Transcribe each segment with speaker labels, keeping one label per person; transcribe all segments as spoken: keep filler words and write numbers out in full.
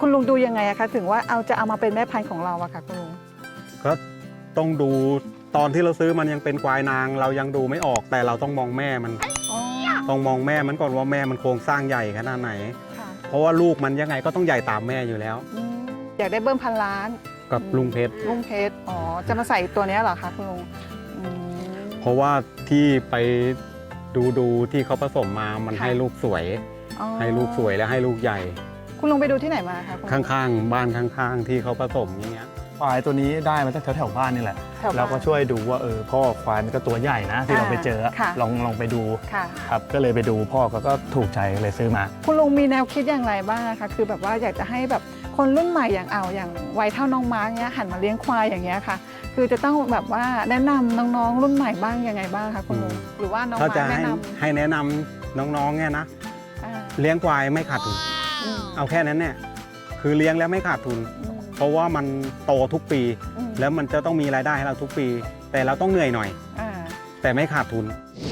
Speaker 1: คุณลุงดูยังไงอะคะถึงว่าเอาจะเอามาเป็นแม่พันธุ์ของเราอะค่ะคุณลุง
Speaker 2: ก็ต้องดูตอนที่เราซื้อมันยังเป็นควายนางเรายังดูไม่ออกแต่เราต้องมองแม่มันต้องมองแม่มันก่อนว่าแม่มันโครงสร้างใหญ่ขนาดไหนเพราะว่าลูกมันยังไงก็ต้องใหญ่ตามแม่อยู่แล้ว
Speaker 1: อยากได้เบิ้มพันล้าน
Speaker 2: กับลุงเพชร
Speaker 1: ลุงเพชรอ๋อจะมาใส่ตัวนี้เหรอคะคุณลุง
Speaker 2: เพราะว่าที่ไปดูดูที่เขาผสมมามันให้ลูกสวยให้ลูกสวยและให้ลูกใหญ่
Speaker 1: คุณลุงไปดูที่ไหนมาคะ
Speaker 2: ข้างๆบ้านข้างๆที่เขาผสมอย่างเงี้ย
Speaker 3: ควายตัวนี้ได้มาจากแถวๆบ้านนี่แหละเราก็ช่วยดูว่าเออพ่อควายมันก็ตัวใหญ่นะที่เราไปเจอลองลองไปดูครับก็เลยไปดูพ่อเขาก็ถูกใจเลยซื้อมา
Speaker 1: คุณลุงมีแนวคิดอย่างไรบ้างคะคือแบบว่าอยากจะให้แบบคนรุ่นใหม่อย่างเอาอย่างวัยเท่าน้องม้าเนี้ยหันมาเลี้ยงควายอย่างเงี้ยค่ะคือจะต้องแบบว่าแนะนำน้องๆรุ่นใหม่บ้างยังไงบ้างคะคุณลุงหรือว่าน้องม้าแนะนำ
Speaker 2: ให้แนะนำน้องๆเนี่ยนะเลี้ยงควายไม่ขาดทุนเอาแค่นั้นเนี่ยคือเลี้ยงแล้วไม่ขาดทุนเพราะว่ามันโตทุกปีแล้วมันจะต้องมีรายได้ให้เราทุกปีแต่เราต้องเหนื่อยหน่อยแต่ไม่ขาดทุน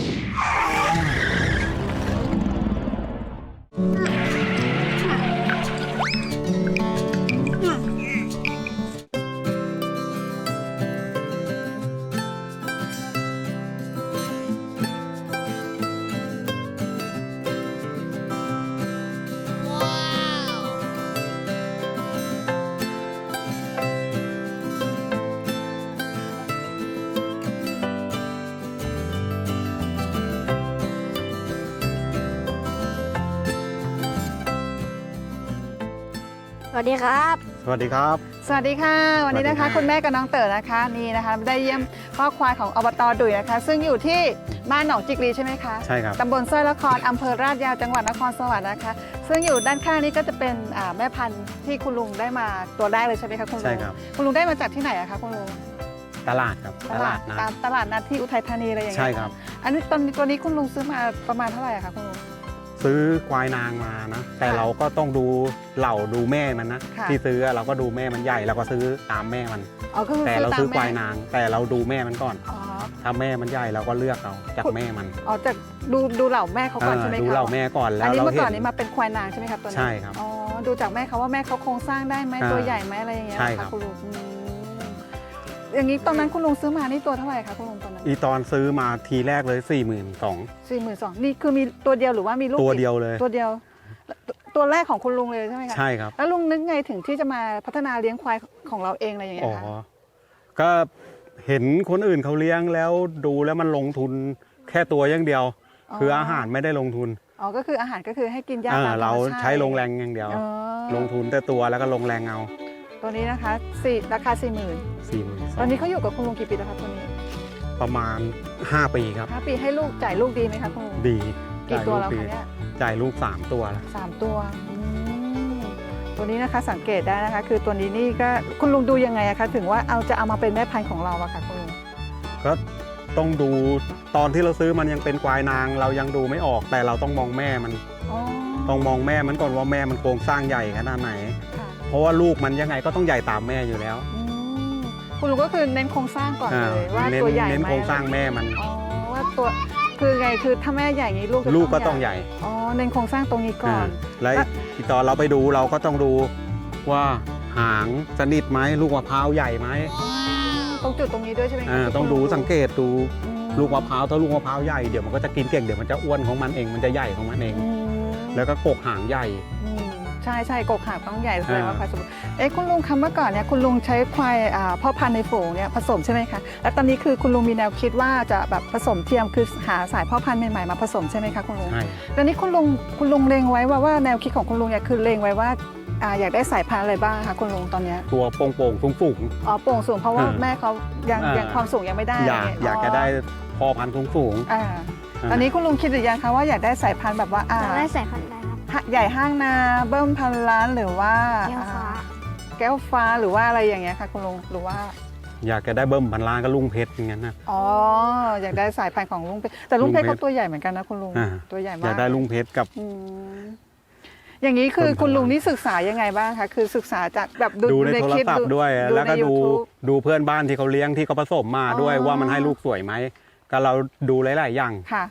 Speaker 4: สวัสดีครับ
Speaker 2: สวัสดีครับ
Speaker 1: สวัสดีค่ะวันนี้นะคะคุณแม่กับน้องเต๋อนะคะนี่นะคะได้เยี่ยมพ่อควายของอบต.ดุยนะคะซึ่งอยู่ที่บ้านหนองจิกรีใช่ไหมคะ
Speaker 2: ใช่ครับ
Speaker 1: ตำบลสร้อยละครอำเภอราชยาวจังหวัดนครสวรรค์นะคะซึ่งอยู่ด้านข้างนี้ก็จะเป็นแม่พันธุ์ที่คุณลุงได้มาตัวแรกเลยใช่ไหมคะคุณลุง
Speaker 2: ใช่ครับ
Speaker 1: คุณลุงได้มาจากที่ไหนอะคะคุณลุง
Speaker 2: ตลาดครับ
Speaker 1: ตลาดนัดตลาดนัดที่อุทัยธานีอะไรอย่างเงี้ย
Speaker 2: ใช่ครับ
Speaker 1: อันนี้ตอนตัวนี้คุณลุงซื้อมาประมาณเท่าไหร่อะคะคุณลุง
Speaker 2: ซื้อควายนางมานะแต่เราก็ต้องดูเหล่าดูแม่มันนะที่ซื้อเราก็ดูแม่มันใหญ่เราก็ซื้อตามแม่มันแต่เราซื้อควายนางแต่เราดูแม่มันก่อนถ้าแม่มันใหญ่เราก็เลือกเอาจากแม่มัน
Speaker 1: อ๋อจากดูดูเหล่าแม่เขาก่อนใช่ไหมคะ
Speaker 2: ดูเหล่าแม่ก่อนแล้ว
Speaker 1: อันนี้เมื่อก่อนนี้มาเป็นควายนางใช่ไหมครับตัวนี้
Speaker 2: ใช่ครับ
Speaker 1: อ๋อดูจากแม่เขาว่าแม่เขาโครงสร้างได้ไหมตัวใหญ่ไหมอะไรอย่างเงี้ย
Speaker 2: ใช่ครับ
Speaker 1: คุณลุงอย่างนี้ตอนนั้นคุณลุงซื้อมานี่ตัวเท่าไหร่คะคุณลุงตอนนั้น
Speaker 2: อีตอนซื้อมาทีแรกเลยสี่หมื่นสอง
Speaker 1: สี่หมื่นสองนี่คือมีตัวเดียวหรือว่ามีลูก
Speaker 2: ตัวเดียวเลย
Speaker 1: ตัวเดียวตัวแรกของคุณลุงเลยใช่ไหมคะ
Speaker 2: ใช่ครับ
Speaker 1: แล้วลุงนึกไงถึงที่จะมาพัฒนาเลี้ยงควายของเราเองอะไรอย่างเงี้ยคะ
Speaker 2: ก็เห็นคนอื่นเขาเลี้ยงแล้วดูแล้วมันลงทุนแค่ตัวอย่างเดียวคืออาหารไม่ได้ลงทุน
Speaker 1: อ๋อก็คืออาหารก็คือให้กินหญ้าตามธรรมชาติ
Speaker 2: เราใช้ลงแรงอย่างเดียวลงทุนแต่ตัวแล้วก็ลงแรงเอา
Speaker 1: ตัวนี้นะคะสี่ราคาสี่หมื่น
Speaker 2: สี่หมื่น
Speaker 1: ตอนนี้เขาอยู่กับคุณลุงกี่ปีแล้วครับตัวนี้
Speaker 2: ประมาณห้าปีครับ
Speaker 1: ห้าปีให้ลูกจ่ายลูกดีไหมคะคุณลุง
Speaker 2: ดี
Speaker 1: กี่ตัวแล้วคะเนี่ย
Speaker 2: จ่ายลูกสามตัว
Speaker 1: สามตัวตัวนี้นะคะสังเกตได้นะคะคือตัวนี้นี่ก็คุณลุงดูยังไงอะคะถึงว่าเอาจะเอามาเป็นแม่พันธุ์ของเราอะค่ะคุณลุง
Speaker 2: ก็ต้องดูตอนที่เราซื้อมันยังเป็นควายนางเรายังดูไม่ออกแต่เราต้องมองแม่มันต้องมองแม่มันก่อนว่าแม่มันโครงสร้างใหญ่ขนาดไหนเพราะว่าลูกมันยังไงก็ต้องใหญ่ตามแม่อยู่แล้ว
Speaker 1: คุณลุงก็คือเน้นโครงสร้างก่อนเลยว่าตัวใหญ่ไหม
Speaker 2: เน้นโครงสร้างแม่มัน
Speaker 1: อ๋อว่าตัวคือไงคือถ้าแม่ใหญ่งี้ลูก
Speaker 2: ลูกก็ต้องใหญ่
Speaker 1: อ๋อเน้นโครงสร้างตรงนี้ก่อน
Speaker 2: แล้วอีตอนเราไปดูเราก็ต้องดูว่าหางสนิทไหมลูกมะพร้าวใหญ่ไหม
Speaker 1: ตรงจุดตรงนี้ด้วยใช่ไหม
Speaker 2: ต้องดูสังเกตดูลูกมะพร้าวถ้าลูกมะพร้าวใหญ่เดี๋ยวมันก็จะกินเก่งเดี๋ยวมันจะอ้วนของมันเองมันจะใหญ่ของมันเองแล้วก็กกหางใหญ่
Speaker 1: ใช่ใช่กกหางต้องใหญ่แสดงว่าควายสมบูรณ์เอ๊ะคุณลุงคำเมื่อก่อนเนี่ยคุณลุงใช้ควายพ่อพันธุ์ในฝูงเนี่ยผสมใช่ไหมคะแล้วตอนนี้คือคุณลุงมีแนวคิดว่าจะแบบผสมเทียมคือหาสายพ่อพันธุ์ใหม่ๆมาผสมใช่ไหมคะคุณลุง
Speaker 2: ใช่
Speaker 1: ตอนนี้คุณลุงคุณลุงเล็งไว้ว่าว่าแนวคิดของคุณลุงเนี่ยคือเล็งไว้ว่าอยากได้สายพันธุ์อะไรบ้างคะคุณลุงตอนนี้
Speaker 2: ตัวโป่งโป่งสูงสูง
Speaker 1: อ๋อโป่งสูงเพราะว่าแม่เขายังยังความสูงยังไม่ได้
Speaker 2: อยากอยากจะได้พ่อพันธุ์สูงสูง
Speaker 1: ตอนนี้คุณลุงคิดหรือยังคะว่าอยากได้สายพันธุ์แบบว่า
Speaker 4: อยากได้สายพันธุ์อะไร
Speaker 1: ใหญ่ห้างนาเบิ้มพันล้านหรือว่า
Speaker 4: แก้วฟ้า
Speaker 1: แก้วฟ้าหรือว่าอะไรอย่างเงี้ยค่ะคุณลุงหรือว่า
Speaker 2: อยากจะได้เบิ้มพันล้านก็ลุงเพชรอย่างนั้นนะ
Speaker 1: อ๋ออยากได้สายพันธุ์ของลุงเพชรแต่ลุงเพชรเขาตัวใหญ่เหมือนกันนะคุณลุงตัวใหญ่มาก
Speaker 2: อยากได้ลุงเพชรกับ
Speaker 1: อย่างนี้คือคุณลุงนี่ศึกษายังไงบ้างคะคือศึกษาจากแบบ
Speaker 2: ดูในโทรศัพท์ด้วยแล้วก็ดูดูเพื่อนบ้านที่เขาเลี้ยงที่เขาผสมมาด้วยว่ามันให้ลูกสวยไหมก็เราดูหลายๆอย่าง
Speaker 1: ค่ะ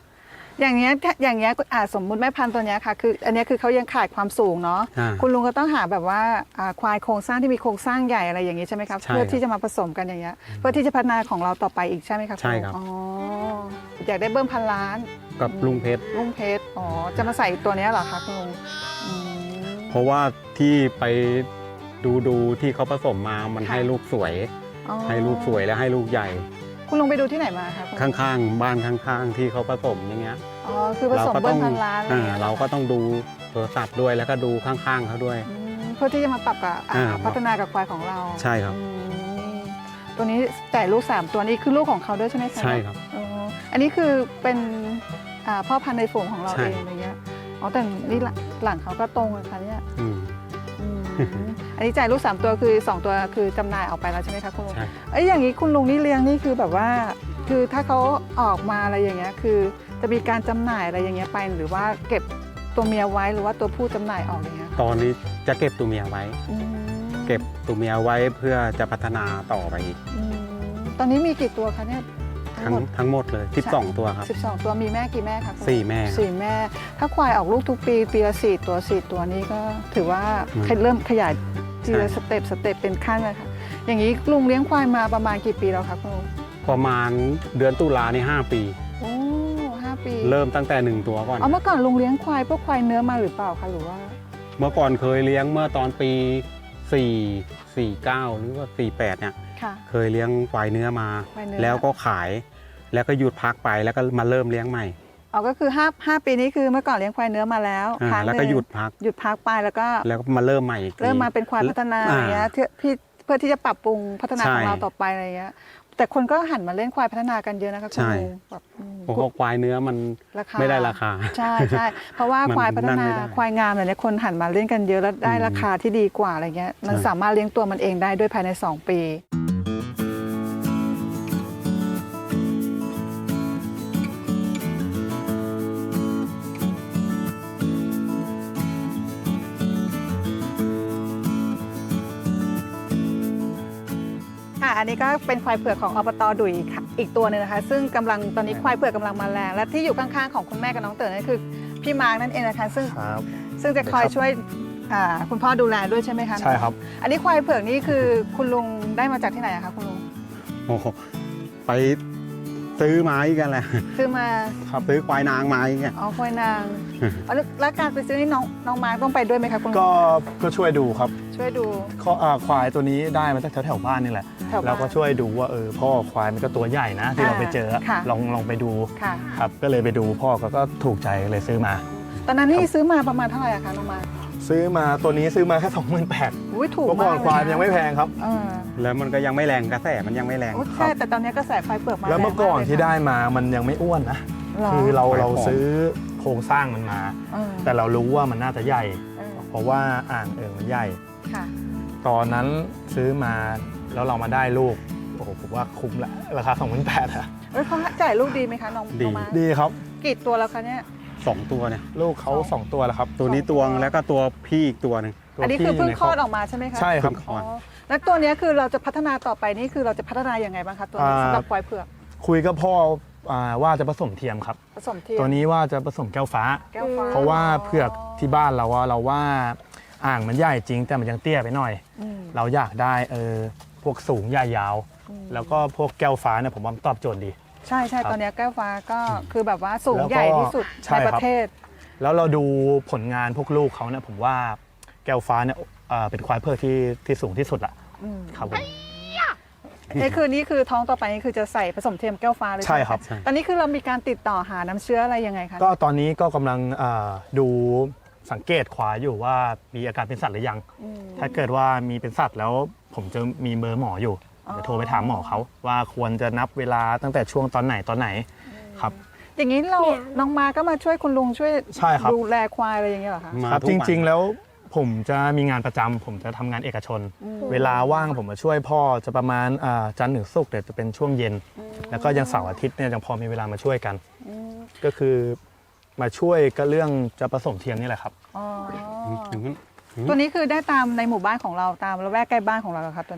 Speaker 1: อย่างเงี้ยอย่างเงี้ยอ่าสมมุติแม่พันธุ์ตัวเนี้ยค่ะคืออันเนี้ยคือเขายังขาดความสูงเนาะ
Speaker 2: อ่า
Speaker 1: คุณลุงก็ต้องหาแบบว่าอ่าควายโครงสร้างที่มีโครงสร้างใหญ่อะไรอย่างงี้ใช่ไหมครับ
Speaker 2: ใช่
Speaker 1: เพื่อ
Speaker 2: ครับ
Speaker 1: ที่จะมาผสมกันอย่างเงี้ยเพื่อที่จะพัฒนาของเราต่อไปอีกใช่ไหมครับ
Speaker 2: ใช่ครับ
Speaker 1: อ๋ออยากได้เบิ้มพันล้าน
Speaker 2: กับลุงเพชร
Speaker 1: ลุงเพชรอ๋อจะมาใส่ตัวเนี้ยเหรอคะคุณลุงอืม
Speaker 2: เพราะว่าที่ไปดูดูที่เขาผสมมามัน
Speaker 1: ค่ะ
Speaker 2: ให้ลูกสวย
Speaker 1: อ๋อ
Speaker 2: ให้ลูกสวยและให้ลูกใหญ่
Speaker 1: คุณลุงไปดูที่ไหนมาคะคุณลุง
Speaker 2: ข้างๆ บ้านข้างๆ ที่เขาผสมอย่างเงี้ย
Speaker 1: อ๋อคือผสม
Speaker 2: ก็
Speaker 1: เบิ้
Speaker 2: ต้
Speaker 1: ม
Speaker 2: อง
Speaker 1: พันล้านอะไรอ
Speaker 2: อ่า
Speaker 1: ย่างงี้ย
Speaker 2: เราก็ต้องดูโทรศัพท์ด้วยแล้วก็ดูข้างๆเขาด้วย
Speaker 1: อืมเพื่อที่จะมาปรับกับอ่า
Speaker 2: อ่า
Speaker 1: พัฒนากับควายของเรา
Speaker 2: ใช่ครับ
Speaker 1: อืมตัวนี้แต่ลูกสามตัวนี้คือลูกของเขาด้วยใช่ไหมคะ
Speaker 2: ใช่ครับ
Speaker 1: อ๋ออันนี้คือเป็นอ่าพ่อพันธุ์ในฝูงของเรา
Speaker 2: ใช่
Speaker 1: เองอะไรเงี้ยอ๋อแต่นี่หลังหลังเขาก็ตรงเลยค่ะเนี่ย
Speaker 2: อืม
Speaker 1: อืมอันนี้จ่ายลูกสามตัวคือสองตัวคือจำหน่ายออกไปแล้วใช่ไหมคะคุณลุง
Speaker 2: ใช่
Speaker 1: เอ้ยอย่างนี้คุณลุงนี่เลี้ยงนี่คือแบบว่า คือถ้าเขาออกมาอะไรอย่างเงี้ยคือจะมีการจำหน่ายอะไรอย่างเงี้ยไปหรือว่าเก็บตัวเมียไว้หรือว่าตัวผู้จำหน่ายออกอย่างเงี้ย
Speaker 2: ตอนนี้จะเก็บตัวเมียไว้
Speaker 1: อืม
Speaker 2: เก็บตัวเมียไว้เพื่อจะพัฒนาต่อไปอีก
Speaker 1: อืมตอนนี้มีกี่ตัวคะเนี่ยทั้
Speaker 2: ทั้
Speaker 1: ง
Speaker 2: ง
Speaker 1: หมด
Speaker 2: ทั้งหมดเลยสิบสองตัวครับ
Speaker 1: สิบสองตัวมีแม่กี่แม่คะคุณ
Speaker 2: สี่แม่ครับ
Speaker 1: สี่แม่ ถ้าควายออกลูกทุกปีปีละสี่ตัวสี่ตัวนี้ก็ถือว่า
Speaker 2: อืม
Speaker 1: เริ่มขยายทีละ
Speaker 2: ใช่
Speaker 1: สเต็ปสเต็ปเป็นขั้นเลยค่ะอย่างนี้ลุงเลี้ยงควายมาประมาณกี่ปีแล้วคะคุณลุง
Speaker 2: ประมาณเดือนตุลาในห้าปี
Speaker 1: โอ้ห้าปี
Speaker 2: เริ่มตั้งแต่หนึ่งตัวก่อน
Speaker 1: เอาเมื่อก่อนลุงเลี้ยงควายพวกควายเนื้อมาหรือเปล่าคะหรือว่า
Speaker 2: เมื่อก่อนเคยเลี้ยงเมื่อตอนปีสี่ สี่เก้าหรือว่าสี่แปดเนี่ย
Speaker 1: ค่ะ
Speaker 2: เคยเลี้ยงควายเนื้อมา
Speaker 1: ควายเนื้อ
Speaker 2: แล้วก็ขาย แล้วก็หยุดพักไปแล้วก็มาเริ่มเลี้ยงใหม่
Speaker 1: เอาก็คือห้าห้าปีนี้คือเมื่อก่อนเลี้ยงควายเนื้อมาแล้ว
Speaker 2: อ่า
Speaker 1: ครั้ง
Speaker 2: แล้วก็
Speaker 1: นึ่ง
Speaker 2: หยุดพัก
Speaker 1: หยุดพักไปแล้วก็
Speaker 2: แล้วก็มาเริ่มใหม่อีกที
Speaker 1: เริ่มมาเป็นควายพัฒนา
Speaker 2: อ่า
Speaker 1: อย่างเงี้ยเพื่อพี่เพื่อที่จะปรับปรุงพัฒนา
Speaker 2: ใช่
Speaker 1: ของเราต่อไปอะไรเงี้ยแต่คนก็หันมาเล่นควายพัฒนากันเยอะนะคะคุณ
Speaker 2: ใช่
Speaker 1: ลุงแบบอืม
Speaker 2: เพราะว่าควายเนื้อมัน
Speaker 1: ราคา
Speaker 2: ไม่ได้ราคา
Speaker 1: ใช่ใช่เพราะว่า
Speaker 2: มัน
Speaker 1: ควายพัฒ
Speaker 2: นั่น
Speaker 1: นา
Speaker 2: ไม่ได้
Speaker 1: ควายงามอะไรเนี่ยคนหันมาเล่นกันเยอะแล้วได้
Speaker 2: อืม
Speaker 1: ราคาที่ดีกว่าอะไรเงี้ยมัน
Speaker 2: ใช่
Speaker 1: สามารถเลี้ยงตัวมันเองได้ด้วยภายในสองปี ค่ะ อันนี้ก็เป็นควายเผือกของอบตดุยค่ะอีกตัวหนึงนะคะ ซึ่งกำลังตอนนี้ควายเผือกกำลังมาแรง และที่อยู่ข้างๆของคุณแม่กับน้องเต๋อนั่นคือพี่มาร์กนั่นเองนะคะ ซึ่ง
Speaker 3: ครับ
Speaker 1: ซึ่งจะคอยช่วยอ่าคุณพ่อดูแลด้วยใช่ไหมคะ
Speaker 3: ใช่ครับ
Speaker 1: อันนี้ควายเผือกนี่คือคุณลุงได้มาจากที่ไหนอะคะคุณลุง
Speaker 2: โอ้โหไปซื้อไม้กันแหละ
Speaker 1: ซื้อมา
Speaker 2: ครับซื้อควายนางไม้กัน
Speaker 1: อ๋อควายนางเอาแล้วแล้วการไปซื้อนี่น้องน้องมาร์กต้องไปด้วยไหมคะคุณลุง
Speaker 3: ก็ก็ช่วยดูครับ
Speaker 1: ช่วยดู
Speaker 3: ข้ออ่าควายตัวนี้ได้มาจากแถวแถวๆบ้านนี่แหละ
Speaker 1: แถวบ้าน
Speaker 3: เราก็ช่วยดูว่าเออพ่อควายมันก็ตัวใหญ่นะ ที่เราไปเจอ
Speaker 1: ค่ะ
Speaker 3: ลองลองไปดู
Speaker 1: ค่ะ
Speaker 3: ครับก็เลยไปดูพ่อก็ก็ถูกใจเลยซื้อมา
Speaker 1: ตอนนั้นนี่ซื้อมาประมาณเท่าไหร่อะคะน้องมาร์ก
Speaker 3: ซื้อมาตัวนี้ซื้อมาแค่สองหมื่นแปด
Speaker 1: อุ้ยถูก
Speaker 3: เมื่อก่
Speaker 1: มา
Speaker 3: อน
Speaker 1: ก
Speaker 3: ควาย
Speaker 1: เล
Speaker 3: มันยังไม่แพงครับ
Speaker 1: เออ
Speaker 2: แล้วมันก็ยังไม่แรงกระแสมันยังไม่แรง
Speaker 1: โอ้ใช่แต่ตอนนี้กระแสควายเผือกมา
Speaker 3: แล้วเมื่อก่อน
Speaker 1: รงากลย
Speaker 3: ที่
Speaker 1: ค่ะ
Speaker 3: ได้มามันยังไม่อ้วนนะ
Speaker 1: หร
Speaker 3: คือเรา
Speaker 2: ขายของ
Speaker 3: เราซื้อโครงสร้างมันมา
Speaker 1: เออ
Speaker 3: แต่เรารู้ว่ามันน่าจะใหญ่
Speaker 1: เออ
Speaker 3: เพราะว่าอ่างเอิงมันใหญ่
Speaker 1: ค่ะ
Speaker 3: ตอนนั้นซื้อมาแล้วเรามาได้ลูกโอ้โหผมว่าคุ้มละราคาสองพันแปดอะ
Speaker 1: เอ้ยเขาจ่ายลูกดีไหมคะน้อง
Speaker 2: ดี
Speaker 1: น้องมาร์ค
Speaker 3: ดีครับ
Speaker 1: กี่ตัวแล้วคะเนี่ย
Speaker 2: สองตัวเนี่ย
Speaker 3: ลูกเขา
Speaker 1: สอง
Speaker 3: สองตัวแล้วครับ
Speaker 2: ตัวนี้ตวงแล้วก็ตัวพี่อีกตัวหนึ่ง
Speaker 3: ตัว
Speaker 1: อันนี้
Speaker 3: ที่
Speaker 1: คือเพิ่ง
Speaker 3: ยู่ใน
Speaker 1: คลอดออกมาใช่ไหมคะ
Speaker 3: ใช่ครับ
Speaker 2: เพิ่งคล
Speaker 1: อ๋
Speaker 2: อ
Speaker 1: อ
Speaker 2: ด
Speaker 1: แล้วตัวเนี้ยคือเราจะพัฒนาต่อไปนี่คือเราจะพัฒนายังไงบ้างคะตัวนี้
Speaker 3: อ่า
Speaker 1: สำหรับควายเผือก
Speaker 3: คุยกับพ่ออ่าว่าจะผสมเทียมครับ
Speaker 1: ผสมเทียม
Speaker 3: ตัวนี้ว่าจะผสมแก้วฟ้า
Speaker 1: แก้วฟ้า
Speaker 3: เพราะว่าเผือกที่บ้านเราว่าเราว่าอ่างมันใหญ่จริง แต่มันยังเตี้ยไปหน่อย
Speaker 1: อืม
Speaker 3: เราอยากได้เออพวกสูงใหญ่ยาว
Speaker 1: อืม
Speaker 3: แล้วก็พวกแก้วฟ้าเนี่ยผมว่ามันตอบโจทย์ดี
Speaker 1: ใช่ใช่
Speaker 3: ครับ
Speaker 1: ตอนเนี้ยแก้วฟ้าก็คือแบบว่าสูง
Speaker 3: แล้วก็
Speaker 1: ใหญ่ที่สุด
Speaker 3: ใช่
Speaker 1: ใน
Speaker 3: ครับ
Speaker 1: ประเทศ
Speaker 3: แล้วเราดูผลงานพวกลูกเขาเนี่ยผมว่าแก้วฟ้าเนี่ยเอ่อเป็นควายเผือกที่ที่สูงที่สุดละ
Speaker 1: อืม
Speaker 3: ครับผม
Speaker 1: นี่คือนี่คือท้องต่อไปนี่คือจะใส่ผสมเทียมแก้วฟ้าเลย
Speaker 3: ใช่
Speaker 1: ไหมะ
Speaker 3: ครับ
Speaker 1: ตอนนี้คือเรามีการติดต่อหาน้ำเชื้ออะไรยังไงคะ
Speaker 3: ก็ตอนนี้ก็กำลังเอ่อดูสังเกตควายอยู่ว่ามีอาการเป็นสัตว์หรือยัง
Speaker 1: อืม
Speaker 3: ถ้าเกิดว่ามีเป็นสัตว์แล้วผมจะมีเบอร์หมออยู่
Speaker 1: อ๋อ
Speaker 3: เดี๋ยวโทรไปถามหมอเขาว่าควรจะนับเวลาตั้งแต่ช่วงตอนไหนตอนไหนครับ
Speaker 1: อย่างนี้เรา
Speaker 4: เนี่ย
Speaker 1: น้องมาก็มาช่วยคุณลุงช่วย
Speaker 3: ใช่ครับ
Speaker 1: ดูแลควายอะไรอย่างเงี้ยเหรอคะ
Speaker 2: มา
Speaker 3: ครับ
Speaker 2: ทุก
Speaker 3: จ
Speaker 2: วัน
Speaker 3: ริงๆแล้วผมจะมีงานประจำผมจะทำงานเอกชน
Speaker 1: อืม
Speaker 3: เวลาว่างผมมาช่วยพ่อจะประมาณอ่าจันทร์ถึงศุกร์เดี๋ยวจะเป็นช่วงเย็น แล้วก็ยังเสาร์อาทิตย์เนี่ยยังพอมีเวลามาช่วยกัน
Speaker 1: อืม
Speaker 3: ก็คือมาช่วยก็เรื่องจะผสมเทียมนี่แหละครับ
Speaker 1: อ๋อ
Speaker 2: ถึงนั้น
Speaker 1: ตัวนี้คือได้ตามในหมู่บ้านของเราตามละแวกใกล้บ้านของเราเหรอครับตัวนี้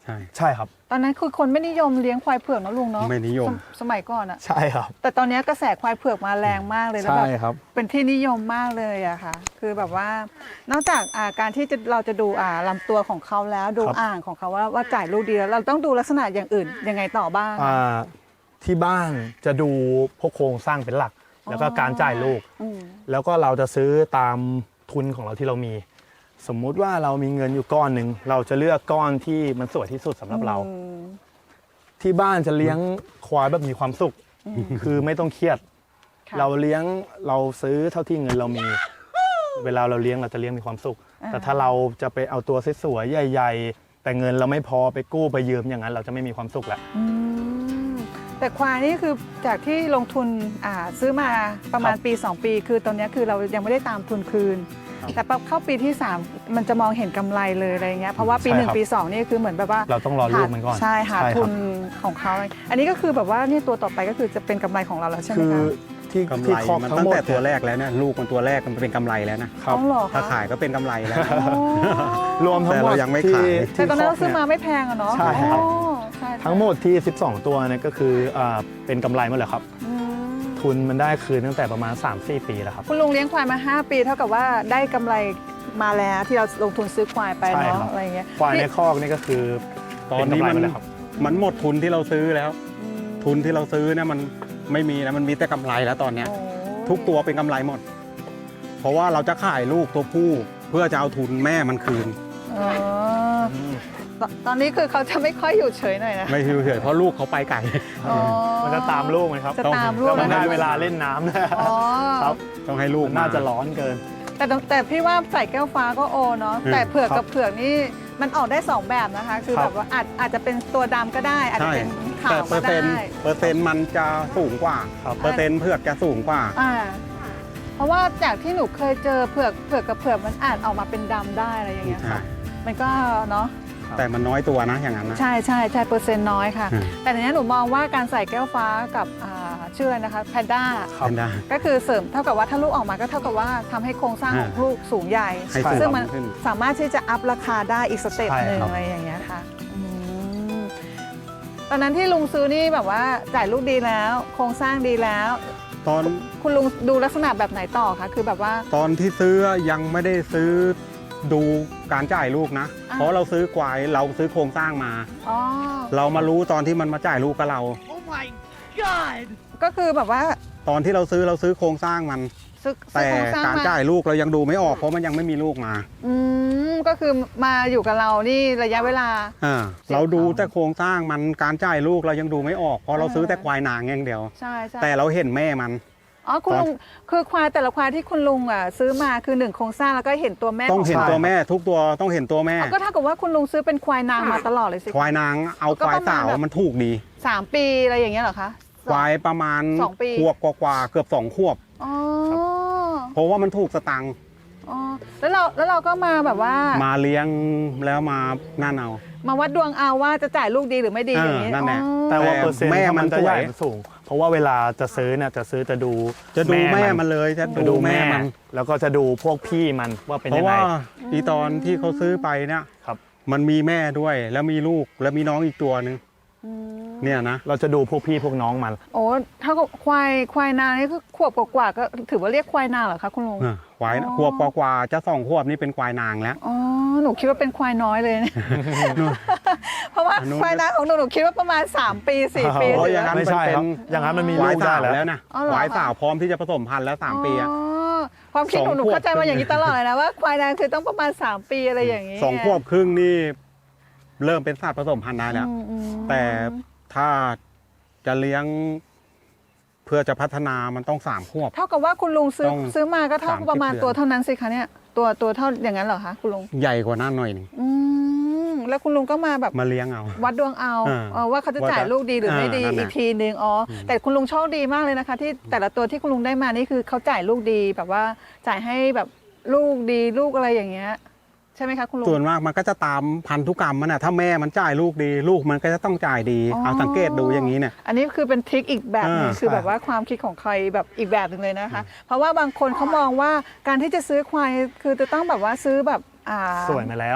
Speaker 2: ใช่
Speaker 3: ใช่ครับ
Speaker 1: ตอนนั้นคือคนไม่นิยมเลี้ยงควายเผือกนะลุงเนาะ
Speaker 2: ไม่นิยม
Speaker 1: สสมัยก่อนอะ
Speaker 3: ใช่ครับ
Speaker 1: แต่ตอนนี้กระแสควายเผือกมาแรงมากเลยแล้ว
Speaker 3: ใช่
Speaker 1: แบบ
Speaker 3: ครับ
Speaker 1: เป็นที่นิยมมากเลยอะค่ะ คือแบบว่านอกจากอ่าการที่จะเราจะดูอ่าลำตัวของเขาแล้วดู
Speaker 3: ครับ
Speaker 1: อ่างของเขาว่าว่าจ่ายลูกดีแล้วเราต้องดูลักษณะอย่างอื่นยังไงต่อบ้าง
Speaker 3: อ่าที่บ้านจะดูพวกโครงสร้างเป็นหลัก แล้วก็การจ่ายลูก
Speaker 1: อืม
Speaker 3: แล้วก็เราจะซื้อตามทุนของเราที่เรามี สมมุติว่าเรามีเงินอยู่ก้อนหนึ่งเราจะเลือกก้อนที่มันสวยที่สุดสำหรับเรา
Speaker 1: อืม
Speaker 3: ที่บ้านจะเลี้ยงควายแบบมีความสุข คือไม่ต้องเครียด
Speaker 1: ค่ะ
Speaker 3: เราเลี้ยงเราซื้อเท่าที่เงินเรามี เวลาเราเลี้ยงเราจะเลี้ยงมีความสุข
Speaker 1: อ่า
Speaker 3: แต่ถ้าเราจะไปเอาตัวสวยๆใหญ่ๆ แต่เงินเราไม่พอไปกู้ไปยืมอย่างนั้นเราจะไม่มีความสุขแล้ว
Speaker 1: อืมแต่ควายนี่คือจากที่ลงทุนอ่าซื้อมาประมาณ
Speaker 3: ครับ
Speaker 1: ปี สอง ปี คือตอนนี้คือเรายังไม่ได้ตามทุนคืน
Speaker 3: ครับ
Speaker 1: แต่พอเข้าปีที่ สาม มันจะมองเห็นกำไรเลยอะไรเงี้ยเพราะว่าปี
Speaker 3: ใช่
Speaker 1: หนึ่ง
Speaker 3: ครับ
Speaker 1: ปีสองนี่คือเหมือนแบบว่า
Speaker 3: เราต้องรอลูกมันก่อน
Speaker 1: ใช่หา
Speaker 3: ใช่ครับ
Speaker 1: ทุนของเขาอันนี้ก็คือแบบว่านี่ตัวต่อไปก็คือจะเป็นกำไรของเราแล้วใช่ไหม
Speaker 3: คือ
Speaker 1: คะ
Speaker 3: ที่
Speaker 2: กำ
Speaker 3: ที่
Speaker 2: ไร
Speaker 3: คอก
Speaker 2: มัน
Speaker 3: ทั้
Speaker 2: ตั้
Speaker 3: ง
Speaker 2: ง
Speaker 3: หมด
Speaker 2: แต่ตัวแรกแล้วเนี่ยลูกมันตัวแรกมันเป็นกำไรแล้วนะ
Speaker 3: ครับ
Speaker 1: อ๋อเหรอคะ
Speaker 2: ถ้าขายก็เป็นกำไรแล้วนะ
Speaker 1: อ๋อ
Speaker 3: รวมทั้งหมด
Speaker 2: แต่เรายังไม่
Speaker 3: ที่
Speaker 2: ขาย
Speaker 3: ที่
Speaker 1: แต่ตอนนั้นเรา
Speaker 3: ค
Speaker 1: ซื้
Speaker 3: ก
Speaker 1: อ
Speaker 3: นี่ย
Speaker 1: มาไม่แพงอะเนาะ
Speaker 3: ใช่ครับ
Speaker 1: อ๋อใช่
Speaker 3: ทั้งหมดที่ สิบสอง ตัวเนี่ยก็คืออ่าเป็นกำไรหมดเลยครับ
Speaker 1: อืม
Speaker 3: ทุนมันได้คืนตั้งแต่ประมาณ สามสี่ ปีแล้วครับ
Speaker 1: คุณลุงเลี้ยงควายมา ห้า ปีเท่ากับว่าได้กำไรมาแล้วที่เราลงทุนซื้อควายไป
Speaker 3: ใช่ครั
Speaker 1: เนาะ
Speaker 3: บ
Speaker 1: อะไรเงี้ย
Speaker 3: ควายในคอกนี่ก็คือ
Speaker 2: ตอนนี้มัน
Speaker 3: เป็กำไรหดเลยครับ
Speaker 2: มันหมดทุนที่เราซื้อแล้ว
Speaker 1: อืม
Speaker 2: ทุนที่เราซื้อเนี่ยมันไม่มีนะมันมีแต่กำไรแล้วตอนเนี้ย
Speaker 1: โอ้
Speaker 2: ทุกตัวเป็นกำไรหมด เพราะว่าเราจะขายลูกตัวผู้เพื่อจะเอาทุนแม่มันคืน
Speaker 1: เออตตอนนี้คือเขาจะไม่ค่อยอยู่เฉยหน่อยนะ
Speaker 2: ไม่เฉยๆเพราะลูกเขาไปไกล
Speaker 1: อ๋อ
Speaker 3: มันจะตามลูกไหมครับ
Speaker 1: จะตามลู
Speaker 3: แล้
Speaker 1: ก
Speaker 3: วมันได้
Speaker 1: นะคะ
Speaker 3: เวลาเล่นน้ำด้วย
Speaker 1: อ๋อ
Speaker 3: ครับ
Speaker 2: ต้องให้ลูก
Speaker 3: มันน่าจะร้อนเกิน
Speaker 1: แต่ต้องแต่พี่ว่าใส่แก้วฟ้าก็โอเนาะ
Speaker 2: อืม
Speaker 1: แต่เผือก
Speaker 3: ครับ
Speaker 1: กับเผือกนี่มันออกได้สองแบบนะคะ คือ
Speaker 3: ครั
Speaker 1: แบบ บว่าอาจอาจจะเป็นตัวดำก็ได้ อาจจะ
Speaker 2: ใช่
Speaker 1: เป็นขา
Speaker 2: แต่
Speaker 1: ว
Speaker 2: เปอ
Speaker 1: ก็
Speaker 2: ร์เซ็นต์
Speaker 1: ได้
Speaker 2: เปอร์เซ็นต์มันจะสูงกว่า
Speaker 3: ครับ
Speaker 2: เปอร์เซ็นต์เผือกจะสูงกว่า
Speaker 1: อ่าเพราะว่าจากที่หนูเคยเจอเผือกเผือกกับเผือกมันอาจออกมาเป็นดำได้อะไรอย่างเงี้ยค่ะ มันก็เนาะ
Speaker 2: แต่มันน้อยตัวนะอย่างนั้นนะ
Speaker 1: ใช่ใช่ใช่เปอร์เซ็นต์น้อยค่ะ
Speaker 2: อืม
Speaker 1: แต่ในนี้หนูมองว่าการใส่แก้วฟ้ากับอ่าชื่ออะไรนะคะแพนด้า
Speaker 3: ครับ
Speaker 2: เป็นได้
Speaker 1: ก็คือเสริมเท่ากับว่าถ้าลูกออกมาก็เท่ากับว่าทำให้โครงสร้างของ
Speaker 2: อ่า
Speaker 1: ลูกสูงใหญ่
Speaker 2: ให้สูง
Speaker 1: ซึ่งมัน
Speaker 2: ขึ้น
Speaker 1: สามารถที่จะอัพราคาได้อีกสเต็ป
Speaker 3: ใช่
Speaker 1: หนึ่ง
Speaker 3: ครับ
Speaker 1: อะไรอย่างเงี้ยค่ะอืมตอนนั้นที่ลุงซื้อนี่แบบว่าจ่ายลูกดีแล้ว โครงสร้างดีแล้ว
Speaker 2: ตอน
Speaker 1: คุณลุงดูลักษณะแบบไหนต่อคะคือแบบว่า
Speaker 2: ตอนที่ซื้อยังไม่ได้ซื้อดูการจ่ายลูกนะ
Speaker 1: อ่า
Speaker 2: เพราะเราซื้อควายเราซื้อโครงสร้างมา
Speaker 1: อ๋อ
Speaker 2: เรามารู้ตอนที่มันมาจ่ายลูกกับเรา
Speaker 1: ก็คือแบบว่า
Speaker 2: ตอนที่เราซื้อเราซื้อโครงสร้างมัน
Speaker 1: ซื้อซื้
Speaker 2: แต่
Speaker 1: อโครงสร้าง
Speaker 2: การ
Speaker 1: มา
Speaker 2: จ่ายลูกเรายังดูไม่ออกเพราะมันยังไม่มีลูกมา
Speaker 1: อืมก็คือมาอยู่กับเรานี่ระยะเวลา
Speaker 2: อ่าเราดูแต่โครงสร้างมันการจ่ายลูกเรายังดูไม่ออกเพราะเราซื้อแต่ควายนางอย่างเดียว
Speaker 1: ใช่ใช่
Speaker 2: แต่เราเห็นแม่มัน
Speaker 1: อ๋อคุณลุงคือควายแต่ละควายที่คุณลุงอ่ะซื้อมาคือหนึ่งโครงสร้างแล้วก็เห็นตัวแม่
Speaker 2: ต้องเห็น
Speaker 1: ข
Speaker 2: ตัวแม่ทุกตัวต้องเห็นตัวแม่
Speaker 1: อ๋อก็เท่ากับว่าคุณลุงซื้อเป็นควายนางมาตลอดเลยสิ
Speaker 2: ควายนางเอาควายสาวมันถูกดี
Speaker 1: สามปีอะไรอย่างเงี้ยเหรอคะ
Speaker 2: ควายประมาณ
Speaker 1: สองปี
Speaker 2: ขวบกว่าๆเกือบสองขวบ
Speaker 1: อ๋อ
Speaker 2: เพราะว่ามันถูกสตังค์
Speaker 1: อ๋อแล้วเราแล้วเราก็มาแบบว่า
Speaker 2: มาเลี้ยงแล้วมานั่นเอา
Speaker 1: มาวัดดวงเอาว่าจะจ่ายลูกดีหรือไม่ดี
Speaker 2: เออ
Speaker 1: อย่างนี้
Speaker 2: นั่นแหละ
Speaker 1: อ๋อ
Speaker 3: แต่ว่า
Speaker 2: แต่
Speaker 3: เปอร์เซ็นต์
Speaker 2: แม่
Speaker 3: ถ้า
Speaker 2: มั
Speaker 3: มัน นจะใหญ่
Speaker 2: สวย
Speaker 3: สูง เพราะว่าเวลาจะซื้อเนี่ยจะซื้อจะดู
Speaker 2: จะดูแม่มันเลยจะ
Speaker 3: จะ
Speaker 2: ดู
Speaker 3: ดู
Speaker 2: แม่
Speaker 3: แม่
Speaker 2: มัน
Speaker 3: แล้วก็จะดูพวกพี่มันว่าเป็น
Speaker 2: เพ
Speaker 3: ยั
Speaker 2: ราะ
Speaker 3: งไง
Speaker 2: ว่าอีตอนที่เขาซื้อไปเนี่ย
Speaker 3: ครับ
Speaker 2: มันมีแม่ด้วยแล้วมีลูกแล้วมีน้องอีกตัวหนึง
Speaker 1: อืม
Speaker 2: เนี่ยนะ
Speaker 3: เราจะดูพวกพี่พวกน้องมัน
Speaker 1: โอ้เท่ากับควายควายนานี่คือขวบกว่าๆก็ถือว่าเรียกควายนาเหรอคะคุณลุง
Speaker 2: อ่ะควาย
Speaker 1: อ๋อ
Speaker 2: ขวบกว่าๆจะสองขวบนี่เป็นควายนางแล้ว
Speaker 1: อ๋อหนูคิดว่าเป็นควายน้อยเลยเนี่ยเพราะว่า
Speaker 2: อันนู้น
Speaker 1: ควายนาของหนูหนูคิดว่าประมาณสามปีสี่ปี
Speaker 2: เพราะ
Speaker 1: ถื
Speaker 2: อย่างนั้น
Speaker 3: ไม่
Speaker 2: มัน
Speaker 3: ใช่
Speaker 2: เป็
Speaker 3: ครับ
Speaker 2: น
Speaker 3: อย่างนั้นมันมี
Speaker 2: ควา
Speaker 3: ลู
Speaker 2: ย
Speaker 3: กได้
Speaker 2: สาว
Speaker 3: แล้ว
Speaker 2: แล้วนะ
Speaker 1: อ๋อเหรอ
Speaker 2: ควายสาวพร้อมที่จะผสมพันธุ์แล้วสามปีอะ
Speaker 1: อ๋อความคิดหนู
Speaker 2: สอง
Speaker 1: หนู
Speaker 2: ขวบ
Speaker 1: เข้าใจมาอย่างนี้ตลอดเลยนะว่าควายนาคือต้องประมาณสามปีอะไรอย่างนี้
Speaker 2: สองขวบครึ่งนี่เริ่มเป็นสัตว์ผสมพันธุ์ได้แล้ว
Speaker 1: อืมอืม
Speaker 2: แต่ถ้าจะเลี้ยงเพื่อจะพัฒนามันต้องสามขวบ
Speaker 1: เท่ากับว่าคุณลุงซื้อ
Speaker 2: ต้อง
Speaker 1: ซื้อมาก็เท่า
Speaker 2: สามสิบ
Speaker 1: ประมาณ
Speaker 2: เดือน
Speaker 1: ตัวเท่านั้นสิคะเนี่ยตัวตัวเท่าอย่างนั้นเหรอคะคุณลุง
Speaker 2: ใหญ่กว่านั้นหน่อยหนึง
Speaker 1: อืมแล้วคุณลุงก็มาแบบ
Speaker 2: มาเลี้ยงเอา
Speaker 1: วัดดวงเอา
Speaker 2: อ่า
Speaker 1: เออว่าเขาจะจ่าย
Speaker 2: ว่าจะ
Speaker 1: ลูกดีหรือไม่ดี
Speaker 2: อ่านั่นแหละ
Speaker 1: อีกทีนึงอ๋ออแต่คุณลุงโชคดีมากเลยนะคะ ที่แต่ละตัวที่คุณลุงได้มานี่คือเขาจ่ายลูกดีแบบว่าจ่ายให้แบบลูกดีลูกอะไรอย่างเงี้ยใช่ไหมคะคุณลุง
Speaker 2: ส่วนมากมันก็จะตามพันธุกรรมมันนะถ้าแม่มันจ่ายลูกดี ลูกมันก็จะต้องจ่ายดี
Speaker 1: อ๋อ
Speaker 2: เอาสังเกตดูอย่างนี้เนี่ย
Speaker 1: อันนี้คือเป็นทริคอีกแบบหนึง
Speaker 2: อ่า
Speaker 1: คือแบบว่าความคิดของใครแบบอีกแบบหนึ่งเลยนะคะ เพราะว่าบางคนเขามองว่าการที่จะซื้อควายคือจะต้องแบบว่าซื้อแบบอ่า
Speaker 3: สวยมาแล้ว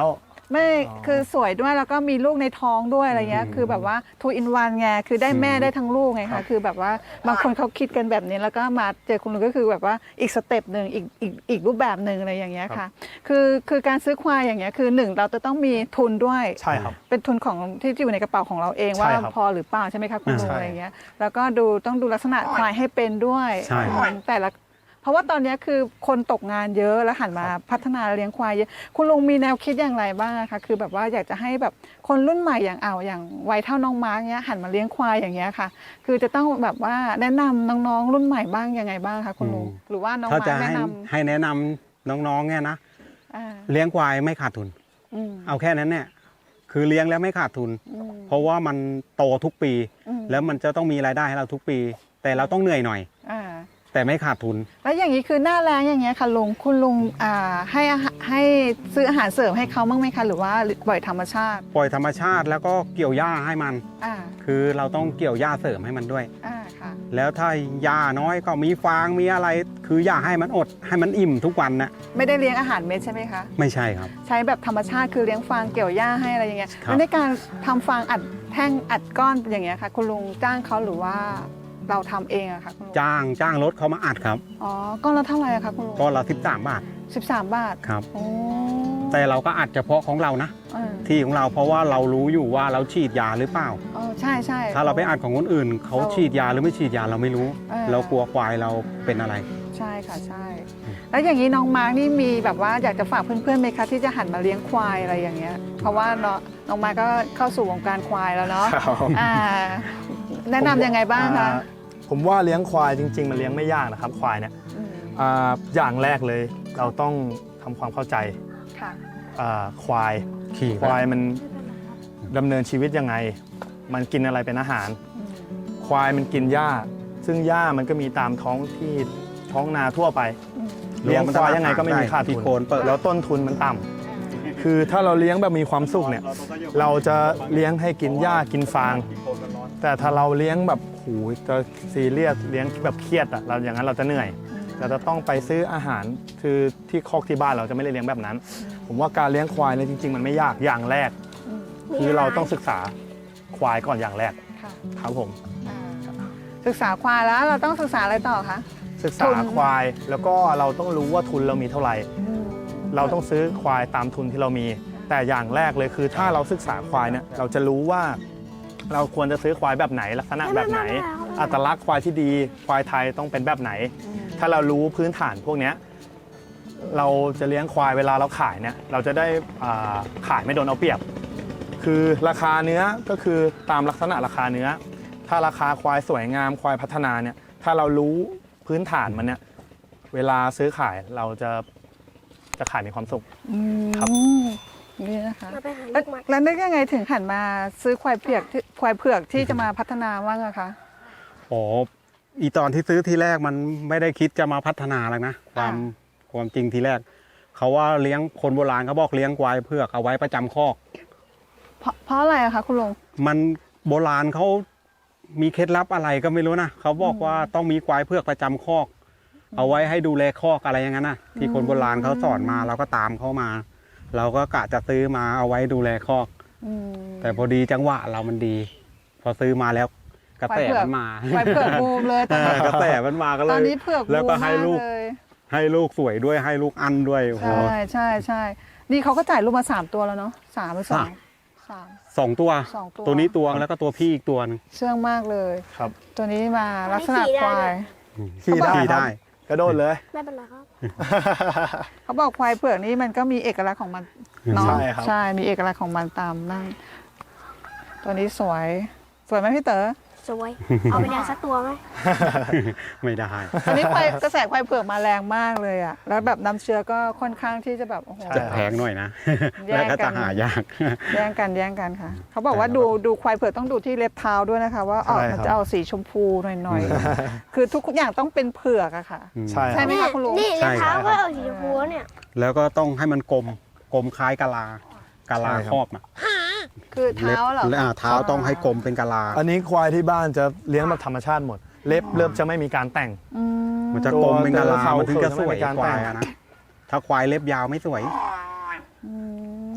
Speaker 1: ไม่
Speaker 3: อ๋อ
Speaker 1: คือสวยด้วยแล้วก็มีลูกในท้องด้วยอะไรเงี้ย
Speaker 2: อืม
Speaker 1: คือแบบว่า two in one ไงคือได้แม่
Speaker 2: อืม
Speaker 1: ได้ทั้งลูกไง
Speaker 2: ครั
Speaker 1: คะ
Speaker 2: บ
Speaker 1: คือแบบว่าบางคนเขาคิดกันแบบนี้แล้วก็มาเจอคุณลุงก็คือแบบว่าอีกสเต็ปหนึ่งอีกอีกอีกรูปแบบหนึ่งอะไรอย่างเงี้ยค่ะ คือคือการซื้อควายอย่างเงี้ยคือหนึ่งเราจะต้องมีทุนด้วย
Speaker 3: ใช่ครับ
Speaker 1: เป็นทุนของที่อยู่ในกระเป๋าของเราเอง
Speaker 3: ใช่
Speaker 1: ว่า
Speaker 3: ครับ
Speaker 1: พอหรือเปล่าใช่ไหมคะคุณลุง
Speaker 3: ใช่
Speaker 1: อะไรอย่างเงี้ยแล้วก็ดูต้องดูลักษณะควายให้เป็นด้วย
Speaker 2: ใช่
Speaker 1: อืมแต่ละเพราะว่าตอนนี้คือคนตกงานเยอะแล้วหันมาพัฒนาเลี้ยงควายเยอะคุณลุงมีแนวคิดอย่างไรบ้างอะคะคือแบบว่าอยากจะให้แบบคนรุ่นใหม่อย่างเอาอย่างวัยเท่าน้องมาร์กเนี้ยหันมาเลี้ยงควายอย่างเงี้ยค่ะ คือจะต้องแบบว่าแนะนำน้องๆรุ่นใหม่บ้างยังไงบ้างคะคุณลุง
Speaker 2: อืม
Speaker 1: หรือว่าน้อง
Speaker 2: ถ้า
Speaker 1: มา
Speaker 2: จะ
Speaker 1: ร์กแนะ
Speaker 2: ให้
Speaker 1: น
Speaker 2: ให้แนะนำน้องๆเนี่ยนะ
Speaker 1: ำอ่า
Speaker 2: เลี้ยงควายไม่ขาดทุน
Speaker 1: อืม
Speaker 2: เอาแค่นั้นเนี่ยคือเลี้ยงแล้วไม่ขาดทุน
Speaker 1: อืม
Speaker 2: เพราะว่ามันโตทุกปี
Speaker 1: อืม
Speaker 2: แล้วมันจะต้องมีรายได้ให้เราทุกปี แต่เราต้องเหนื่อยหน่อย
Speaker 1: อ่า
Speaker 2: แต่ไม่ขาดทุน
Speaker 1: แล้วอย่างนี้คือหน้าแรงอย่างเงี้ยค่ะลุงคุณลุงอ่าให้อาหารให้ซื้ออาหารเสริมให้เขาบ้างไหมคะหรือว่าปล่อยธรรมชาติ
Speaker 2: ปล่อยธรรมชาติแล้วก็เกี่ยวหญ้าให้มัน
Speaker 1: อ่า
Speaker 2: คือเราต้องเกี่ยวหญ้าเสริมให้มันด้วย
Speaker 1: อ่าค่ะ
Speaker 2: แล้วถ้าหญ้าน้อยก็มีฟางมีอะไร คืออย่าให้มันอดให้มันอิ่มทุกวันนะ
Speaker 1: ไม่ได้เลี้ยงอาหารเม็ดใช่ไหมคะ
Speaker 2: ไม่ใช่ครับ
Speaker 1: ใช้แบบธรรมชาติคือเลี้ยงฟางเกี่ยวหญ้าให้อะไรอย่างเงี้ย
Speaker 2: ครับ
Speaker 1: แล้วในการทำฟางอัดแท่งอัดก้อนอย่างเงี้ยค่ะคุณลุงจ้างเขาหรือว่าเราทำเองอะคะคุณลุง
Speaker 2: จ้างจ้างรถเขามาอัดครับ
Speaker 1: อ๋อก้อนละเท่าไหร่อะคะคุณลุง
Speaker 2: ก็ละสิบสามบาท
Speaker 1: สิบสามบาท
Speaker 2: ครับ
Speaker 1: โอ้
Speaker 2: แต่เราก็อัดเฉพาะของเรานะ
Speaker 1: เออ
Speaker 2: ที่ของเราเพราะว่าเรารู้อยู่ว่าเราฉีดยาหรือเปล่า
Speaker 1: เออใช่ใช่
Speaker 2: ถ้าเราไปอัดของคนอื่น เขาฉีดยาหรือไม่ฉีดยาเราไม่รู้
Speaker 1: เออ
Speaker 2: เรากลัวควายเราเป็นอะไร
Speaker 1: ใช่ค่ะใช่ แล้วอย่างนี้น้องมาร์กนี่มีแบบว่าอยากจะฝากเพื่อนๆไหมคะที่จะหันมาเลี้ยงควายอะไรอย่างเงี้ย เพราะว่าน้องน้องมาร์กก็เข้าสู่วงการควายแล้วเนาะ
Speaker 3: ครับ
Speaker 1: อ่าแนะนำยังไงบ้างคะ
Speaker 3: อ่าผมว่าเลี้ยงควายจริง ๆ มันเลี้ยงไม่ยากนะครับ ควายเนี่ย
Speaker 1: อืม
Speaker 3: อ่าอย่างแรกเลยเราต้องทำความเข้าใจ
Speaker 1: ค่ะ
Speaker 3: อ่าควาย
Speaker 2: ขี่
Speaker 3: ควายมันดำเนินชีวิตยังไง มันกินอะไรเป็นอาหาร
Speaker 1: อืม
Speaker 3: ควายมันกินหญ้า ซึ่งหญ้ามันก็มีตามท้องที่ท้องนาทั่วไป
Speaker 1: อืม
Speaker 3: เลี้ยงควายยังไงก็ไม่มีขาด
Speaker 2: ที่
Speaker 3: ทุน
Speaker 2: โคนเปิด
Speaker 3: แล้วต้นทุนมันต่ำคือถ้าเราเลี้ยงแบบมีความสุขเนี่ย เราจะเลี้ยงให้กินหญ้ากินฟาง แต่ถ้าเราเลี้ยงแบบโหจะซีเรียสเลี้ยงแบบเครียดอะเราอย่างนั้นเราจะเหนื่อย เราจะต้องไปซื้ออาหารคือที่คอกที่บ้านเราจะไม่ได้เลี้ยงแบบนั้น ผมว่าการเลี้ยงควายเนี่ยจริง ๆ มันไม่ยากอย่างแรก
Speaker 1: อืม
Speaker 3: คือเราต้องศึกษาควายก่อนอย่างแรก
Speaker 1: ค่ะ
Speaker 3: ครับผม
Speaker 1: อ่าศึกษาควายแล้วเราต้องศึกษาอะไรต่อคะ
Speaker 3: ศึก
Speaker 1: ทุ
Speaker 3: ษาน ควายแล้วก็เราต้องรู้ว่าทุนเรามีเท่าไหร่
Speaker 1: อืม
Speaker 3: เราต้องซื้อควายตามทุนที่เรามี แต่อย่างแรกเลยคือถ้าเราศึกษาควายเนี่ยเราจะรู้ว่า เราควรจะซื้อควายแบบไหนลักษณะแบบไหน อัตลักษณ์ควายที่ดีควายไทยต้องเป็นแบบไหน
Speaker 1: อืม
Speaker 3: ถ้าเรารู้พื้นฐานพวกเนี้ยเราจะเลี้ยงควายเวลาเราขายเนี่ยเราจะได้อ่าขายไม่โดนเอาเปรียบ คือราคาเนื้อก็คือตามลักษณะราคาเนื้อ ถ้าราคาควายสวยงามควายพัฒนาเนี่ยถ้าเรารู้พื้นฐานมันเนี่ยเวลาซื้อขายเราจะจะขายมีความสุข
Speaker 1: อืม
Speaker 3: ครับ
Speaker 1: นี่นะคะ
Speaker 4: เราไปหา
Speaker 1: แล้
Speaker 4: ลู
Speaker 1: ว
Speaker 4: กมัด
Speaker 1: แล้วนึกยังไงถึงหันมาซื้อควายเผือกที่ควายเผือกที่จะมาพัฒนาบ้างอะคะ
Speaker 2: อ๋ออีตอนที่ซื้อทีแรกมันไม่ได้คิดจะมาพัฒนาแล้วนะความ
Speaker 1: อ่
Speaker 2: ความจริงทีแรก เขาว่าเลี้ยงคนโบราณเขาบอกเลี้ยงควายเผือกเอาไว้ประจำคอก
Speaker 1: เพราะเพราะอะไรอะคะคุณลุง
Speaker 2: มันโบราณเขามีเคล็ดลับอะไรก็ไม่รู้นะเขาบอกว่าต้องมีควายเผือกประจำคอก เอาไว้ให้ดูแลคอกอะไรอย่างนั้นนะที่คนโบราณเขาสอนมาเราก็ตามเขามา เราก็กะจะซื้อมาเอาไว้ดูแลคอก
Speaker 1: อืม
Speaker 2: แต่พอดีจังหวะเรามันดี พอซื้อมาแล้วกระแส
Speaker 1: ควายเผือก
Speaker 2: มันมา
Speaker 1: ควายเผือกบูมเลยตอน
Speaker 2: เอ
Speaker 1: นี้
Speaker 2: อกระแสมันมาก็เล
Speaker 1: ตอน
Speaker 2: ย
Speaker 1: นี้เผือก
Speaker 2: แล้ว
Speaker 1: บู
Speaker 2: ก็
Speaker 1: ม
Speaker 2: ให้
Speaker 1: มาก
Speaker 2: ลูก
Speaker 1: เลย
Speaker 2: ให้ลูกสวยด้วยให้ลูกอันด้วยโอ้โห
Speaker 1: ใช่ใช่ใช่นี่เขาก็จ่ายลูกมาสามตัวแล้วเนาะสามหรือสอง
Speaker 2: สาม
Speaker 1: สาม
Speaker 2: สองตัว
Speaker 1: สองตัว
Speaker 2: ตัวนี้ตัวแล้วก็ตัวพี่อีกตัวหนึง
Speaker 1: เชื่องมากเลย
Speaker 3: ครับ
Speaker 1: ตัวนี้มาลักษณะควาย
Speaker 3: ขี่ได้
Speaker 2: ขี่
Speaker 3: ครับ
Speaker 2: ได้
Speaker 3: กระโดดเลย
Speaker 4: ไม่เป็นไรครับ
Speaker 1: เขาบอกควายเผือกนี่มันก็มีเอกลักษณ์ของมันเนาะ
Speaker 3: ใช่ครับ
Speaker 1: ใช่มีเอกลักษณ์ของมันตามนั่นตัวนี้สวยสวยไหมพี่เต๋อ
Speaker 4: สวย เอาไปเลี้ยงสักตัวไหม
Speaker 2: ไม่ได้
Speaker 1: อันนี้ควายกระแสควายเผือกมาแรงมากเลยอะแล้วแบบน้ำเชื้อก็ค่อนข้างที่จะแบบโอ้โห
Speaker 3: ใช่
Speaker 2: จะแพงหน่อยนะ
Speaker 1: แย่งกัน
Speaker 2: แล้วก็จะหายาก
Speaker 1: แย่งกันแย่งกันค่ะ เขาบอกว่าดูดูควายเผือกต้องดูที่เล็บเท้าด้วยนะคะ ว่าออก
Speaker 3: ใช่
Speaker 1: มัน
Speaker 3: ครับ
Speaker 1: จะเอาสีชมพูหน่อยๆ คือทุกอย่างต้องเป็นเผือกอะค่ะ
Speaker 3: ใช่
Speaker 1: ใช่
Speaker 3: ครับ
Speaker 1: ไหมคะคุณลุง
Speaker 4: นี่
Speaker 2: ใช่
Speaker 4: ใน
Speaker 2: ครับ
Speaker 4: เท้าก็เอาสีชมพูเนี่ย
Speaker 2: แล้วก็ต้องให้มันกลมกลมคล้ายกะลากะลา
Speaker 3: ใช่ครับ
Speaker 2: ครอบอ่ะ
Speaker 1: คือเท้าเหรอ
Speaker 2: ล็บอ่าเท้าต้องให้กลมเป็นกะลา
Speaker 3: อันนี้ควายที่บ้านจะเลี้ยงแบบธรรมชาติหมด เล็บเริ่มจะไม่มีการแต่ง
Speaker 1: อืม
Speaker 2: มันจะกลมเป็นกะลา
Speaker 3: ตัว
Speaker 2: มันถึงจะสวย
Speaker 3: เขินไม่มีการ
Speaker 2: ควาย
Speaker 3: แต่ง
Speaker 2: อะนะถ้าควายเล็บยาวไม่สวย
Speaker 1: อืม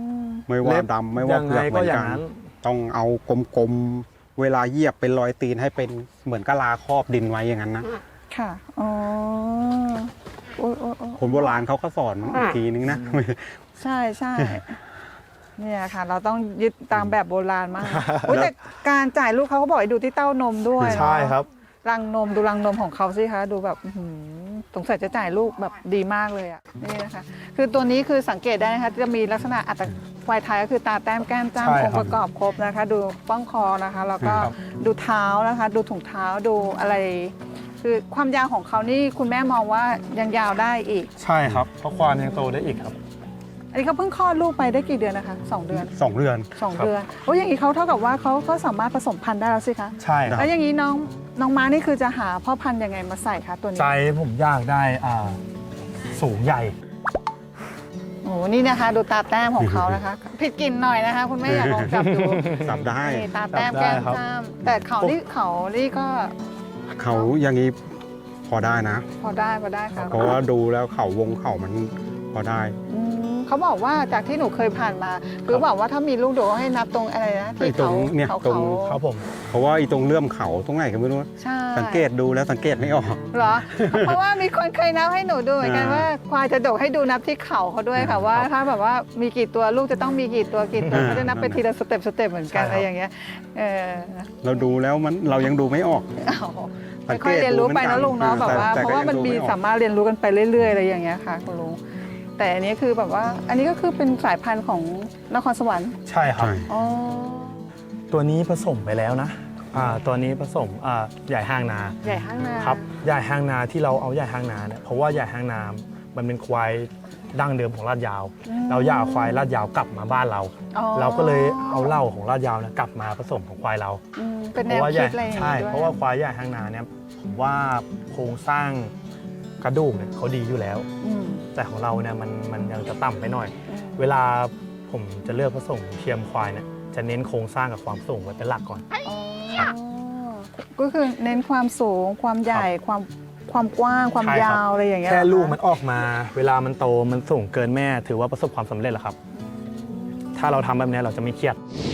Speaker 2: ไม่ว่า
Speaker 3: เล็บ
Speaker 2: ดำไม่ว่า
Speaker 3: ยัง
Speaker 2: เผื
Speaker 3: ไง
Speaker 2: อกเห
Speaker 3: ก็
Speaker 2: มือน
Speaker 3: อย่า
Speaker 2: กั
Speaker 3: ง
Speaker 2: น
Speaker 3: นั้น
Speaker 2: ต้องเอากลมๆเวลาเหยียบเป็นรอยตีนให้เป็นเหมือนกะลาครอบดินไว้อย่างนั้นนะ
Speaker 1: ค่ะอ๋อโอ้ยโอ้ยโอ้ย
Speaker 2: คนโบราณเขาก็สอนอีกทีนึงนะ
Speaker 1: ใช่ใช่เนี่ยค่ะ เราต้องยึดตามแบบโบราณมากอุ๊ยแต่การจ่ายลูกเขาก็บอกให้ดูที่เต้านมด้วย
Speaker 3: ใช่ครับ
Speaker 1: รังนมดูรังนมของเขาสิคะดูแบบอื้อหือสงสัยจะจ่ายลูกแบบดีมากเลยอ่ะนี่นะคะ คือตัวนี้คือสังเกตได้นะคะจะมีลักษณะอัตควายไทยก็คือตาแต้มแก้มจ้ำ
Speaker 3: ใช่
Speaker 1: อ
Speaker 3: ครับ
Speaker 1: งค์ประกอบครบนะคะ ดูป้องคอนะคะแล้วก็
Speaker 3: ครับ
Speaker 1: ดูเท้านะคะ ดูถุงเท้าดูอะไร คือความยาวของเขานี่คุณแม่มองว่ายังยาวได้อีก
Speaker 3: ใช่ครับเพราะควานยังโตได้อีกครับ
Speaker 1: อันนี้เขาเพิ่งคลอดลูกไปได้กี่เดือนนะคะสองเดือน
Speaker 2: สองเดือน
Speaker 1: สอง
Speaker 3: ครับ
Speaker 1: เดือนโอ้ยอย่างนี้เขาเท่ากับว่าเขาเขาสามารถผสมพันธุ์ได้แล้วสิคะ
Speaker 3: ใช่ครับ
Speaker 1: แล้วอย่างนี้น้องน้องม้านี่คือจะหาพ่อพันธุ์ยังไงมาใส่คะตัวนี้
Speaker 3: ใจผมอยากได้อ่าสูงใหญ่
Speaker 1: โอ้โหนี่นะคะ ดูตาแต้มของเขานะคะ ผิดกลิ่นหน่อยนะคะ คุณแม่อยากลองจับดู
Speaker 2: สับได้
Speaker 1: นี่ตาแต้ม
Speaker 3: จับได้
Speaker 1: แก้ม
Speaker 3: ครับ
Speaker 1: จ้ามแต่เขานี่เขานี่ก็
Speaker 2: เขาอย่างนี้พอได้นะ
Speaker 1: พอได้พอได้ค่ะ
Speaker 2: เพราะว่าดูแล้วเขาวงเขามันพอได้
Speaker 1: อืมเขาบอกว่าจากที่หนูเคยผ่านมาคือบอกว่าถ้ามีลูกดูให้นับตรงอะไรนะที่
Speaker 2: ไอ้ตร
Speaker 1: เขา
Speaker 2: งเนี่ย
Speaker 1: เขา
Speaker 2: ตรง
Speaker 1: เขา
Speaker 3: ครับผม
Speaker 2: เพราะว่าอีตรงเลื่อมเขาตรงไหนก็ไม่รู้
Speaker 1: ใช่
Speaker 2: สังเกตดูแล้วสังเกตไม่ออก
Speaker 1: เหรอ เพราะว่ามีคนเคยนับให้หนูดูเหมือนกัน
Speaker 2: อ่า
Speaker 1: ว่าควายจะดกให้ดูนับที่เข่าเขาด้วยค่ะว่าถ้าแบบว่ามีกี่ตัวลูกจะต้องมีกี่ตัวกี่ตัว
Speaker 2: อ่า
Speaker 1: เขาจะนับไปทีละสเต็ปสเต็ปเหมือนกัน
Speaker 3: ใช่ครับ
Speaker 1: อะไรอย่างเงี้ยเออ
Speaker 2: เราดูแล้วมันเรายังดูไม่ออก
Speaker 1: เอา
Speaker 2: สังเกต
Speaker 1: ค่อยๆเรียนรู้ไปนะลุงเนาะ
Speaker 2: ดู
Speaker 1: แบบว่า
Speaker 2: แต่
Speaker 1: เพราะว่ามันมี
Speaker 2: แต่ก็ยังดูไม่ออก
Speaker 1: สามารถเรียนรู้กันไปเรื่อยๆอะไรอย่างเงี้ยค่ะคุณลุงแต่อันนี้คือแบบว่า อันนี้ก็คือเป็นสายพันธุ์ของนครสวรรค์
Speaker 3: ใช่ครับ
Speaker 2: ใช่
Speaker 1: อ๋อ
Speaker 3: ตัวนี้ผสมไปแล้วนะอ่าตัวนี้ผสมอ่าใหญ่ห้างนา
Speaker 1: ใหญ่ห้างนา
Speaker 3: ครับใหญ่ห้างนาที่เราเอาใหญ่ห้างนาเนี่ยเพราะว่าใหญ่ห้างนา มันเป็นควายดั้งเดิมของลาดยาว เราอยากเอาควายลาดยาวกลับมาบ้านเรา
Speaker 1: อ๋อ
Speaker 3: เราก็เลยเอาเหล้าของลาดยาวเนี่ยกลับมาผสมของควายเรา
Speaker 1: อืมเป็น
Speaker 3: เพ
Speaker 1: แนว
Speaker 3: ราะว่า
Speaker 1: คิดอะไรอย่าง
Speaker 3: ใช่
Speaker 1: งี้ด้วย
Speaker 3: เพราะว่าควายใหญ่ห้างนาเนี่ยผมว่าโครงสร้างกระดูกเนี่ยเขาดีอยู่แล้ว
Speaker 1: อืม
Speaker 3: แต่ของเราเนี่ยมันมันยังจะต่ำไปหน่อย
Speaker 1: อืม
Speaker 3: เวลาผมจะเลือกผสมเทียมควายเนี่ยจะเน้นโครงสร้างกับความสูงไว้เป็นหลักก่อน
Speaker 1: อ๋อก็คือเน้นความสูงความใหญ่ความความกว้างความ
Speaker 3: ใช่ครับ
Speaker 1: ยาวอะไรอย่างเงี้ย
Speaker 3: แค่
Speaker 1: เหรอ
Speaker 3: ลูก
Speaker 1: คะ
Speaker 3: มันออกมา เวลามันโตมันสูงเกินแม่ ถือว่าประสบความสำเร็จแล้วครับ ถ้าเราทำแบบนี้เราจะไม่เครียด
Speaker 1: อ